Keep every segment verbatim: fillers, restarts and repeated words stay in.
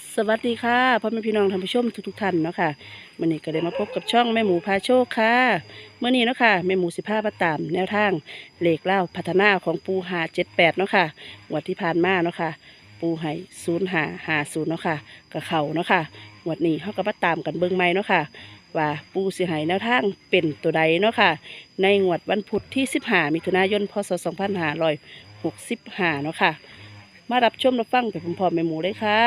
สวัสดีค่ะพ่อแม่พี่น้องท่านผู้ชมทุกๆท่านเนาะค่ะมื่อนี้ก็ได้มาพบกับช่องแม่หมูพาโชคค่ะเมื่อนี้เนาะค่ะแม่หมูสิพามาตามแนวทางเลขเล่าพัฒนาของปูหาเจ็ดแปดเนาะค่ะงวดที่ผ่านมาเนาะค่ะปูให้ศูนย์หาหาศูนย์เนาะค่ะกับเขาเนาะค่ะงวดนี้เขาก็มาตามกันเบิ่งใหม่เนาะค่ะว่าปูสิให้แนวทางเป็นตัวใดเนาะค่ะในงวดวันพุธที่สิบห้ามิถุนายนพศสองพันห้าร้อยหกสิบห้าเนาะค่ะมารับชมรับฟังไปพร้อมๆแม่หมูเลยค่ะ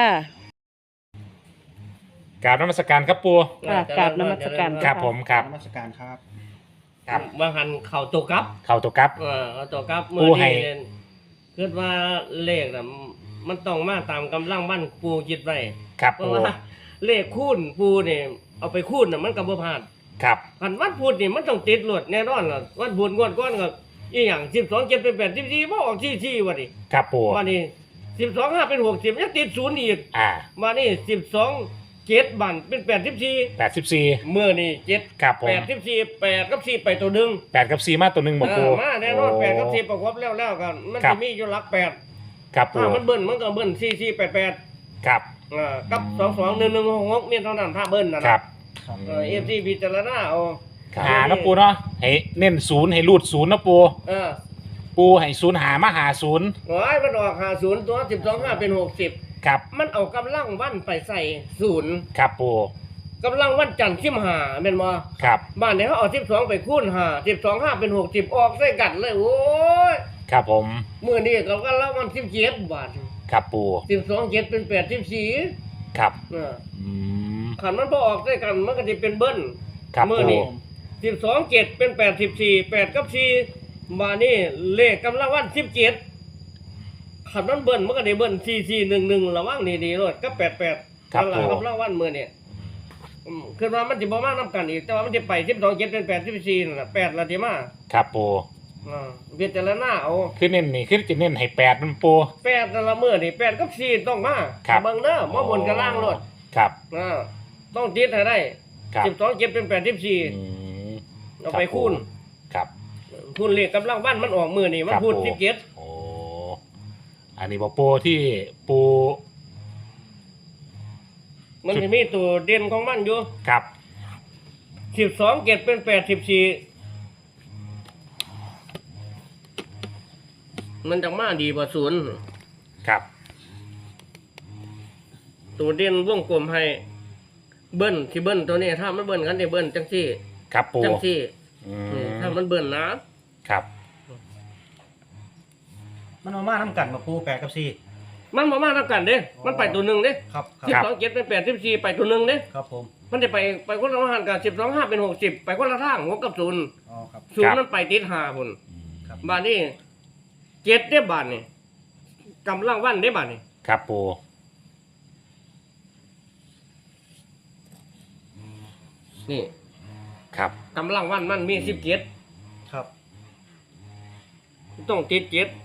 กราบนมัสการครับปูค่ะกราบนมัสการครับผมครับนมัสการครับครับบางหันเข่าตัวกลับเข่าตัวครับเออเอาตัวกลับปูเมื่อให้นี้เนี่ยคิดว่าเลขน่ะมันต้องมาตามกำลังบ้านปูคิดไว้ครับเพราะปูว่าเลขคูณปูเนี่ยเอาไปคูณน่ะมันก็บ่พลาดครับคันวันพุธนี่มันต้องติดหลวดแน่นอนล่ะวันพุธงวดก้อนก็อีหยังสิบสอง เจ็ดเป็นแปด สิบสี่บ่ออกที่ที่ว่าดิครับปูว่านี่สิบสอง ห้าเป็นหกสิบยังติดศูนย์อีกอ่ามานี่สิบสอง เจ็ดบันเป็นแปดสิบสี่แปดสิบสี่เมื่อนี่เจ็ดครับผมแปดสิบสี่แปดกับสี่ไปตัวหนึงแปดกับสี่มาตัวหนึ่งบอกเอปูอมาแน่นอนโแปดกับสี่ประกอบแล้วแล้วกันมันครัจะบมีอยู่หลักแปดครับปูถ้ามันเบิ้ลมันก็เบิ้ลสี่สี่แปดแปดครับอ่ากับสองสองหนึ่งหนึ่งหกหกนี่เท่านั้นถ้าเบิ้ลนะนะครับครับเออฟซีพิจารณาเอาหานะปูเนาะให้เน้นศูนย์ให้รูดศูนย์นะปูเออปูให้ศูนย์หามาหาศูนย์โอ้ยมันออกหาศูนย์ตัวสิบสองห้าเป็นหกสิบครับมันเอากำลังวันไปใส่ศูนย์ครับปูกำลังวันจันทร์สิบห้าเป็นบ่ครับบ้านเนี่ยเขาเอาสิบสองไปคูณห้าสิบสองห้าเป็นหกสิบออกใส่กันเลยโอ้ยครับผมมื่อนี้ก็กำลังวันสิบเจ็ดบาทครับปูสิบสองเจ็ดเป็นแปดสิบสี่ครับอ่าอืมขันมันพอออกด้วยกันมันก็จะเป็นเบิ้ลครับเมื่อปูนี้สิบสองเจ็ดเป็นแปดสิบสี่แปดกับสี่มานี่เลขกำลังวันสิบเจ็ดขันมันเบิ้ลมันก็ได้เบิ้ลสี่สี่หนึ่งหนึ่งระว่างนี่ดีรถก็แปดแปดครับกำลังปูกำลังวันเมื่อนี่อืมคือว่ามันจะบ่มากน้ำกันอีกแต่ว่ามันจะไปสิบสองเจ็ดเป็นแปดสิบสี่นั่นแหละแปดละทีมาครับปูอ่าเวียนแต่ละหน้าเอาคือเน้นนี่คือจะเน้นให้แปดมันปูแปดแต่ละเมื่อนี่แปดกับสี่ต้องมาครับเบิ่งเด้อมาบนกับล่างรถครับอ่าต้องติดให้ได้ครับสิบสองเจ็ดเป็นแปดสิบสี่อืมเอาไปคูณครับคูณเลขกำลังบ้านมันออกมือนี่มันครับพูดผมสิบเจ็ดโอ้อันนี้บอกปูที่ปูมันจะมีตัวเด่นของมันอยู่ครับสิบสองเจ็ดเป็นแปดสิบสี่มันจะมาดีกว่าศูนย์ครับตัวเด่นวงกลมให้เบิ้ลที่เบิ้ลตัวนี้ถ้ามันเบิ้ลกันได้เบิ้ลจังซี่ครับปูจังซี่อือืมมถ้ามันเบิ้ลนะครับมันมาม่าน้ำกันมาปูแปดกับสี่มันมามาทำกันเด้มันไปตัวหนึ่งเด้ครับครัสิบบครับสองเจ็ดเป็นแปดสิบสี่ไปตัวหนึ่งเด้ครับผมมันจะไปไปคนละทางกันสิบสองห้าเป็นหกสิบไปคนละทางหกกับศูนย์อ๋อครับศูนย์มันไปติดห้าพุ่นครับบ้านนี้เจ็ดได้บ้านนี่กำลังวันได้บ้านนี่ครับปูนี่ครับกำลังวันมันมีสิบเจ็ดครับต้องติดเจ็ด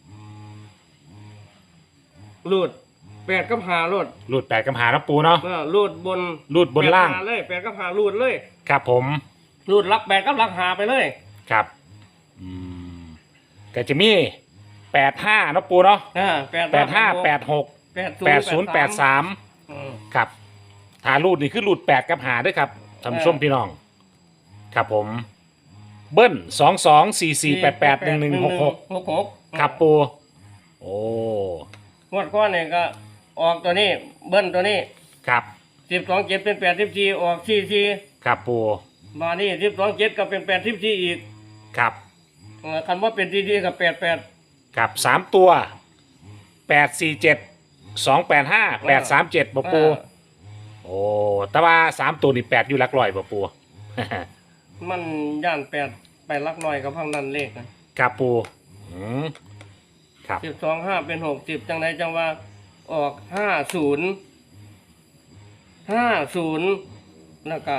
รูดแปดกับหารูดรูดแปดกำหานะปูเนาะเออรูดบนรูดบนล่างแปดหเลยแปดกับหารูดเลยครับผมรูดลักแปดกับลักหาไปเลยครับอืมก็จะมีแปดห้านะปูเนาะอ่าแปดแปดห้าแปดหกแปดแปดศูนย์แปดสามอืมครับถ้ารูดนี่คือรูดแปดกับหาด้วยครับท่านผู้ชมพี่น้อง ครับผม เบิ้ลสองสองสี่สี่แปดแปดหนึ่งหนึ่งหกหกหกหกครับปู โอ้งวดก้อนเนี่ยก็ออกตัวนี้ เบิ้ลตัวนี้ครับสิบสองเจ็ดเป็นแปดสิบสี่ออกสี่สี่ครับปูมานี่สิบสองเจ็ดก็เป็นแปดสิบสี่อีกครับเออคันว่าเป็นสี่สี่กับแปดแปดครับสามตัวแปดสี่เจ็ดสองแปดห้าแปดสามเจ็ดปะปู โอ้แต่ว่าสามตัวนี่แปดอยู่หลักร้อยปะปูมันย่านแปดไปลักน้อยกับพังนั้นเลขนะครับปูอืมครับสิบสองห้าเป็นหกสิบจังไรจังว่าออกห้าศูนย์ห้าศูนย์แล้วก็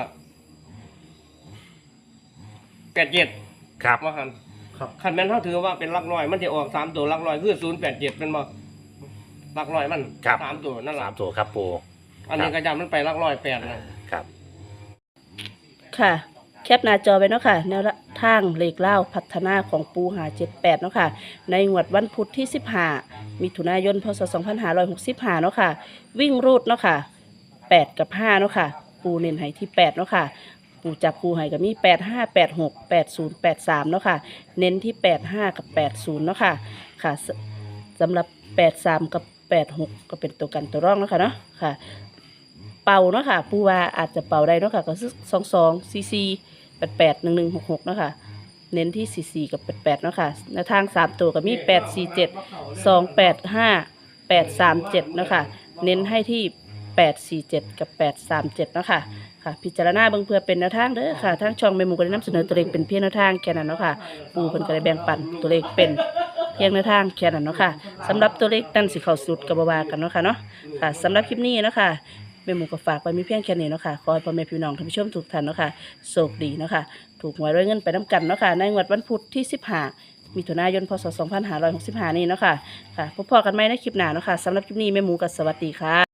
แปดเจ็ดครับว่าหันครับคันแม่นเขาถือว่าเป็นลักน้อย มันจะออกสามตัวลักน้อยคือศูนย์แปดเจ็ดเป็นบ่ลักน้อยมันครับสามตัวนั่นแหสาละมตัวครับปูอันนี้กระยำมันไปลักน้อยแปดนะครับค่ะแคปหน้าจอไว้เนาะค่ะแนวทางเลขเล่าพัฒนาของปูหาเจ็ดแปดเนาะค่ะในงวดวันพุธที่สิบห้ามิถุนายนพศสองพันห้าร้อยหกสิบห้าเนาะค่ะวิ่งรูดเนาะค่ะแปดกับห้าเนาะค่ะปูเน้นให้ที่แปดเนาะค่ะปูจับคูให้ก็มีแปดห้าแปดหกแปดศูนย์แปดสามเนาะค่ะเน้นที่แปดห้ากับแปดศูนย์เนาะค่ะค่ะสสำหรับแปดสามกับแปดหกก็เป็นตัวกันตัวร่องเนาะค่ะเนาะค่ะเป่าเนาะค่ะปูว่าอาจจะเป่าได้เนาะค่ะก็คือสองสองซีซีแปดแปดหนึ่งหนึ่งหกหกเนาะค่ะเน้นที่สี่สี่กับแปดแปดเนาะค่ะในทางสามตัวก็มีแปดสี่เจ็ดสองแปดห้าแปดสามเจ็ดเนาะค่ะเน้นให้ที่แปดสี่เจ็ดกับแปดสามเจ็ดเนาะค่ะค่ะพิจารณาเบิ่งเพื่อเป็นแนวทางเด้อค่ะทางช่องแม่หมูก็ได้นำเสนอตัวเลขเป็นเพียงแนวทางแค่นั้นเนาะค่ะปูเพิ่นก็ได้แบ่งปันตัวเลขเป็นเพียงแนวทางแค่นั้นเนาะค่ะสำหรับตัวเลขนั่นสิเข้าสุดกับบ่ว่ากันเนาะค่ะเนาะค่ะสำหรับคลิปนี้เนาะค่ะแม่หมูก็ฝากไว้มีเพียงแค่นี้เนาะค่ะขอให้พ่อแม่พี่น้องท่านผู้ชมทุกท่านเนาะค่ะโชคดีเนาะค่ะถูกหวยรวยเงินไปนํกันเนาะค่ะในงวดวันพุธที่สิบห้ามิถุนายนพศสองพันห้าร้อยหกสิบห้านี้เนาะค่ะค่ะพบกันใหม่ในคลิปหน้าเนาะค่ะสำหรับคลิปนี้แม่หมูก็สวัสดีค่ะ